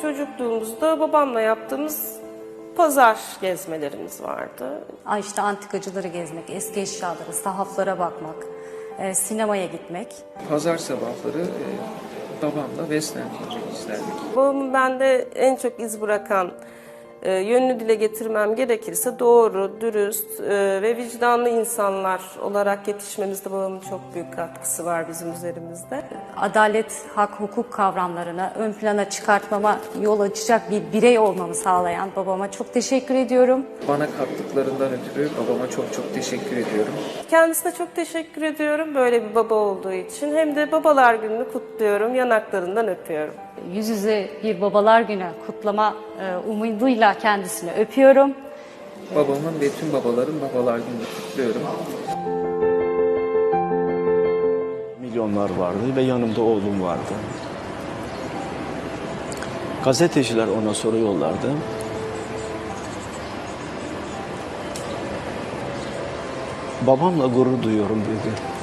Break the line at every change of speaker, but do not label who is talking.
Çocukluğumuzda babamla yaptığımız pazar gezmelerimiz vardı.
İşte antikacıları gezmek, eski eşyaları, sahaflara bakmak, sinemaya gitmek.
Pazar sabahları babamla Western filmi izlerdik.
Babamın bende en çok iz bırakan, yönünü dile getirmem gerekirse doğru, dürüst ve vicdanlı insanlar olarak yetişmemizde babamın çok büyük katkısı var bizim üzerimizde.
Adalet, hak, hukuk kavramlarını ön plana çıkartmama yol açacak bir birey olmamı sağlayan babama çok teşekkür ediyorum.
Bana kattıklarından ötürü babama çok çok teşekkür ediyorum.
Kendisine çok teşekkür ediyorum böyle bir baba olduğu için. Hem de babalar gününü kutluyorum, yanaklarından öpüyorum.
Yüz yüze bir babalar günü kutlama umuduyla kendisini öpüyorum.
Babamın ve tüm babaların babalar gününü kutluyorum.
Milyonlar vardı ve yanımda oğlum vardı. Gazeteciler ona soruyorlardı. Babamla gurur duyuyorum dedi.